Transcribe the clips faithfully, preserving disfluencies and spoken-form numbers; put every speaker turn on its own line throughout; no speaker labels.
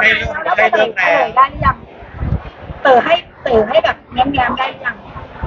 ได้เริ่มได้เริ่มแล้ว
ได้หรือยังเต๋อให้เต๋อให้แบบแง้มๆได้หรือยัง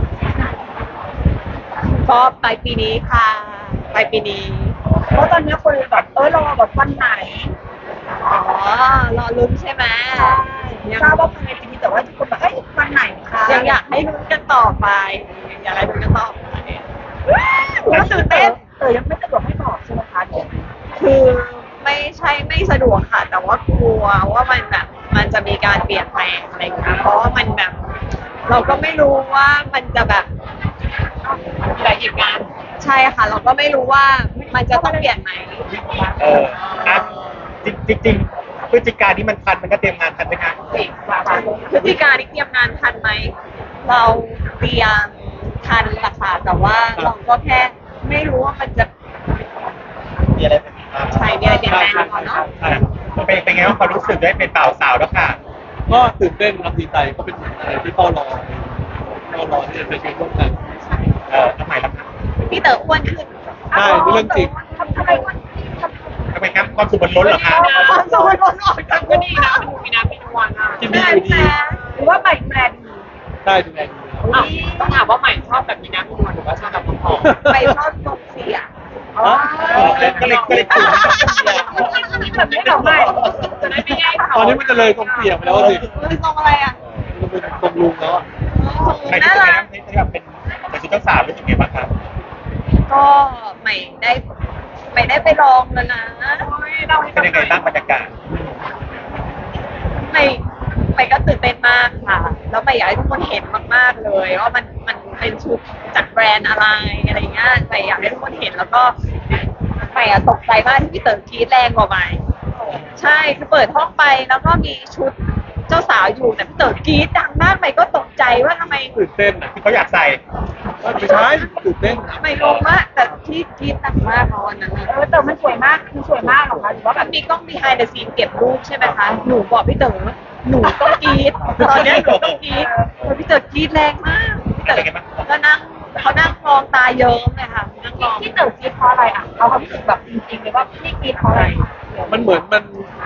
ก็ปลายปีนี้ค่ะปลายปีนี้
เพราะตอนนี้คนแบบเออรอแบบวันไหน
อ๋อรอลุ้นใช่ไหม
ยังทราบว่าภายในปีนี้แต่ว่าทุกคนแบบเอ้ยวันไหนคะ
ยังอยากให้ลุ้นกันต่อไปอยากให้ลุ้นกันต่อไปก็ตื่นเต้น
เต๋อยังไม่สะดวกให้บอกใช่ไหมคะเดี๋ยว
คือไม่ใช่ไม่สะดวกค่ะแต่ว่ากลัวว่ามันแบบมันจะมีการเปลี่ยนแปลงอะไรอย่างเงี้ยเพราะว่ามันแบบเราก็ไม่รู้ว่ามันจะแบบหลายเหตุการณ์ใช่ค่ะเราก็ไม่รู้ว่ามันจะต้องเปลี่ยนไหม
เออนะจริงจริงพฤศจิกาที่มันทันมันก็เตรียมงานทันไหมคะ
พฤศจิกาที่เตรียมงานทันไหมเราเตรียมทันละค่ะแต่ว่าเราก็แค่ไม่รู้ว่ามันจะ
มีอะไร
ใช่มีอะไรเปลี่ยนแปลงก่อนเนาะ
เป็นเป็นไงว่าความรู้สึกได้เป็นเป่าสาวแล้วค่ะ
ก็ตื่นเต้นรับดีใจก็เป็นอะไรที่เฝ้ารอเฝ้ารอที่จะไปชีวิตร่วมกัน
เออทำไมล่ะครับ
พี่เต๋ออ้วนขึ้น
ใช่เรื่องจริง
ทำไมอ้วน
ทำไมครับความสุขมันล้นเหรอคะ
ความสุขมันล้นออกจากก็ดีนะมันดูมีน้ำมีนวลอ่ะ
กินดีอยู่ดี
หรือว่าใหม่แบรนด์
ใช่ดูแลดี
ต้องถามว่าใหม่ชอบแบบมีน้ำมีนวลหรือว่าชอบแบบผอมไปชอบทรงเสีย
อ๋อก็เลยก็เลยถูก
แบบนี้เหรอไม่
จะได้ไม่แย่เขา
ตอนนี้มันจะเลยทรงเสียไปแล้วสิ
เป็นทรงอะไรอ่ะ
มันเป็นทรงลุงแล้ว
ใครที่จะไปนั่งที่แบบเป็นเป็นชุดเจ้าสาวรู้สึกไงบ้างครับ
ก็ใหม่ได้ใหม่ได้ไปลองแล้วนะ
เป็นยังไงบ้างบรรยากาศ
ใหม่ใหม่ก็ตื่นเต้นมากค่ะแล้วใหม่อยากให้ทุกคนเห็นมากๆเลยว่ามันมันเป็นชุดจากแบรนด์อะไรอะไรเงี้ยใหม่อยากให้ทุกคนเห็นแล้วก็ใหม่อะตกใจมากที่พี่เต๋อกรี๊ดแรงกว่าใหม่ใช่คือเปิดห้องไปแล้วก็มีชุดเจ้าสาวอยู่แต่พี่เต๋อกรี๊ดดังมากใหม่ก็ตกใจว่าทำไม
ตื่นเต้นอ่ะ
ที่เขาอยากใส่
ไม่ใช่ตื่นเต้น
ใหม่งงมากแต่ที่กรี๊ดดังมากเพราะวันนั้น
เออแต่มันสวยมากคือสวยมากหรอคะหรือว่า
แบบมีกล้อง behind the scene เก็บรูปใช่ไหมคะหนูบอกพี่เต๋อหนูต้องกรี๊ดตอนนี้หนูต้องกรี๊ดพี่เต๋อกรี๊ดแรงมากพี่เต๋อก็นั่งเขานั่งมองตาเยิ้มเลยค่ะนั่งมอง
ที่เต๋อกรี๊ดเพราะอะไรอ่ะเอาความรู้สึกแบบจริงๆเลยว่าพี่กรี๊ดเพราะอะไร
มันเหมือนมัน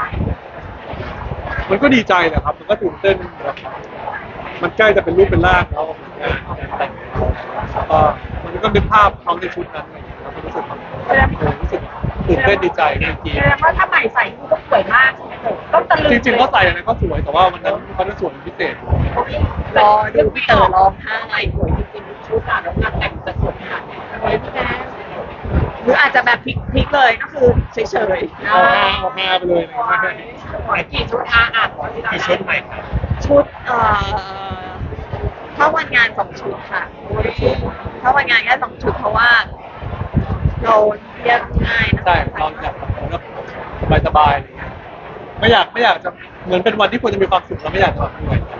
มันก็ดีใจแหละครับมันก็ตื่นเต้นมันใกล้จะเป็นรูปเป็นร่างแล้วก็มันก็เป็นภาพเขาในชุดนั้นเราก็รู้สึกรู้สึกตื่นเต้นดีใจจริงๆ
แสดงว่าถ้าใหม่ใส่ก็สวยมากต้องตะลึง
จริงๆก็ใส่อะไรก็สวยแต่ว่าวันนั้นเขาจะสวยพิเศษ
รอดูพี่เต๋อร้องไห้สวยจริงๆชุดอะแล้วงานแต่งจะสวยขนาดไหนหรืออาจจะแบบพลิกๆเลยก็คือเฉยๆ
เอาฮาเอาฮาไปเลย
กี่ชุดอาอ่าน
กี่ชุดใหม่ครับ
ชุดเอ่อถ้าวันงานสองชุดค่ะถ้าวันงานแค่สองชุดเพราะว่าเราเรียกง่ายนะ
ใช่เราอยากแบบสบายๆอะไรเงี้ยไม่อยากไม่อยากจะเหมือนเป็นวันที่ควรจะมีความสุขเราไม่อยากจะแบบเหนื่อย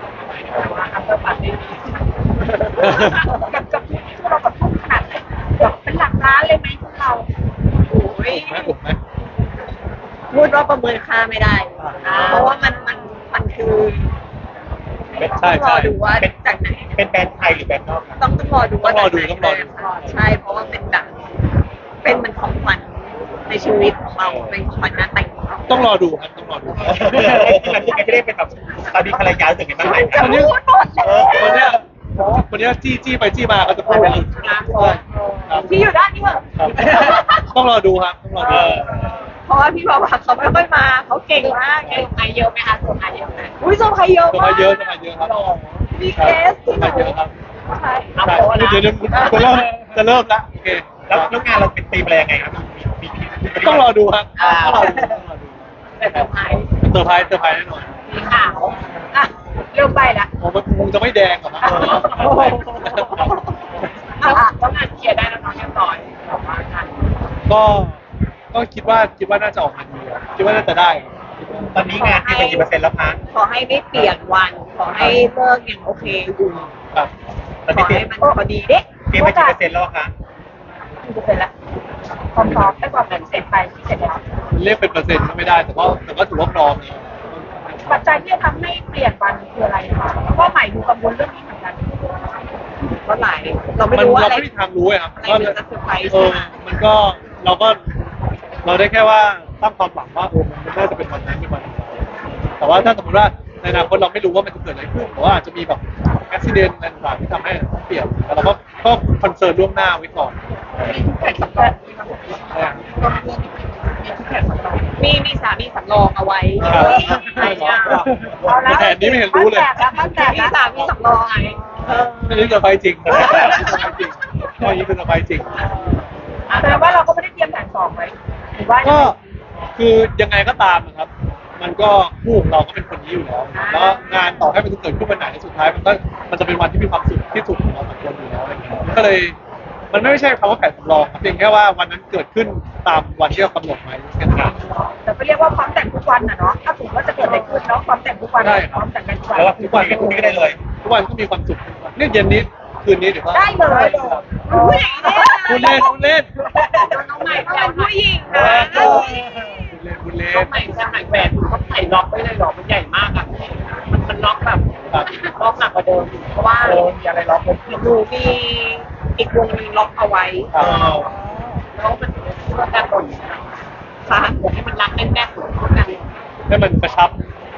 กับกับที่เรากับทุ่มขนาดแบบเป็นหลักล้านเลยไหมพวกเรา
โอ้ย
ถูกไหม
พูดว่าประเมินค่าไม่ได้เพราะว่ามันมันมันคือ
ใช่
ใช่ดูว่าจากไหน
เป็นแบรนด์ไทยหรือแบรนด์นอก
ต้องต้องรอดูว่า
ต้องรอดูต้องรอดู
ใช่เพราะว่าเป็นแบบเป็นมันของขวัญในชีวิตของเราเป็นของขวัญงานแต่งของเรา
ต้องรอดูครับต้องรอดู
มันจะไม่ได้เป็นแบบตอนนี้ภรรยาถึงกันบ้างไหม
วันนี้
วันนี้วันนี้จี้จี้ไปจี้มาก็จะพูด
ที่อยู่ด้านนี้เหรอ
ต้องรอดูครับต้องรอดู
เพราะว่าพี่บอกว่าเขาไม่ค่อยมาเขาเก่งมากไงส่งใครเยอะไหมคะส่งใครเยอะไหมอุ้ยส่งใครเยอะ
ส่งใครเยอะส่งใครเยอะครับ
มีเคสที่หนู
เยอะครับ
ใช่
ใช่เดี๋ยวเดี๋ยวจะเริ่มจะเริ่มละโอเค
แล้วแล้วงานเราเป็นธีมอะไรยังไงครับ
ต้องรอดูครับต้องรอดู
แต่เซอร์ไพรส์
เซอร์ไพรส์เซอร์ไพรส์แน่นอน
สีขาวอ่ะเริ่มไปละ
ผมมันคงจะไม่แดงหรอกนะ
ต้องงานเคลียร์ได้แล้วน้องเรียบร้อย
ก็ก็คิดว่าคิดว่าน่าจะออกมาดีคิดว่าน่าจะได้
ตอนนี้งานที่เป็นกี่เปอร์เซ็นต์แล้วคะ
ขอให้ไม่เปลี่ยนวันขอให้เลิกอย่างโอเคอยู่
ครับ
ขอให้มันพอดีเด็ก
เตรียมไปกี่เปอร์เซ็นต์แล้วคะ
กี่เปอร์เซ็นต์ละความพร้อมได้กว่าแบบเสร็จไปที่เสร็จแล้ว
เรียกเป็นเปอร์เซ็นต์ก็ไม่ได้แต่ก็แต่ก็ถือว่าพร้อม
ปัจจัยที่จะทำให้เปลี่ยนวันคืออะไรคะเพราะใหม่ดูกังวลเรื่องนี้เหมือนกัน
ก็หลายเราไม่รู้อะไร
เราไม่มีทางรู้ครับ
ก็จะเซอร์ไพรส์ใช่ไหม
มันก็เราก็เราได้แค่ว่าตั้งความหวังว่าโอ้มันน่าจะเป็นวันนั้นเป็นวันแต่ว่าถ้าสมมติว่าในอนาคตเราไม่รู้ว่ามันจะเกิดอะไรขึ้นหรือว่าอาจจะมีแบบอุบิเหตุอะไรต่างๆที่ทำให้ต้องเปลี่ยนแล้วเราก็ก็คอนเซิร์นล่วงหน้าไว้ก่อน
มีทุกแผ่นสำรองมีมาหมดเลยมีทุกแผ่นสำรอง
มีมีสามีสำรองเอาไว้
ครับ
ใช่ค่ะ
ในแผนนี้ไม่เห็นรู้เลย
บ้านแตก
มี
แล้ว
สามีสำรองไว้เออ
อันนี้จะไปจริงนะจริงข้อนี้คือจะไปจริง
แสดงว่าเราก็ไม่ได้เตรียมแผนสองไว้หรือว่า
ก็คือยังไงก็ตามนะครับ มันก็คู่ของเราก็เป็นคนนี้อยู่แล้ว แล้วงานต่อให้มันจะเกิดขึ้นวันไหนสุดท้ายมันก็มันจะเป็นวันที่มีความสุขที่สุดของเราสองคนอยู่แล้วอะไรเงี้ยมันก็เลยมันไม่ใช่คำว่าแผนสำรองครับเพียงแค่ว่าวันนั้นเกิดขึ้นตามวันที่เรากำหนดไว้แค่นั้นเอง
แต่ก็เรียกว่าพร้อมแต่งทุกวันน่ะเนาะถ้าสมมติว่าจะเกิดอะไรขึ้นเนาะพร้อมแต่งทุกวัน
ได้ครับ
พร้อมแต่งกันทุกวัน
แล้วทุกวันกับพรุ่งนี้ก็ได้เลย
ทุกวันก็มีความสุขทุกวันเนี่ยเย็นนี้คืนนี้เดี๋ยวก็
ได้เลย
ผู้หญิงเนี่ย
พูดเล่นพูดเล่น
น้องใหม่ก็เป็นผู้หญิงนะ
พูดเล่นพูดเล่น
ใส่ใส่แหวนเขาใส่ล็อกไว้เลยเหรอมันใหญ่มากอ่ะมันมันล็อกแบบ
ครับ
ล็อกหนักกว่าเดิมอีกเพราะว่า
เออมีอะไรล็อกเลย
หนูมีอีกวงหนึงล็อกเอาไว้
ครับ
แล้วมันเพื่อการบ่น
ค่ะ
อยากให้มันรักแน่นๆเหมือนพวกกัน
ให้มันกระชับ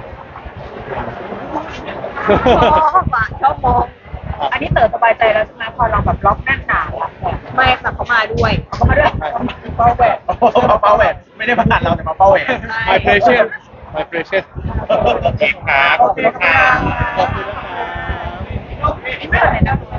ชอบอะชอบมอง
อันนี้เต๋อสบายใจแล้วใช่ไหมพอเราแบบล็อกแน่นหนาแล้ว
ไม่ค่ะเขามาด้วย
เขามาด้วยเป้าแหวน
มาเป้าแหวนไม่ได้มาตัดเราแต่มาเป้าแหวน
my precious my precious
โอเคครับขอบคุณครับ
ขอบคุณนะครับ
ไม่เหมือนในนั้น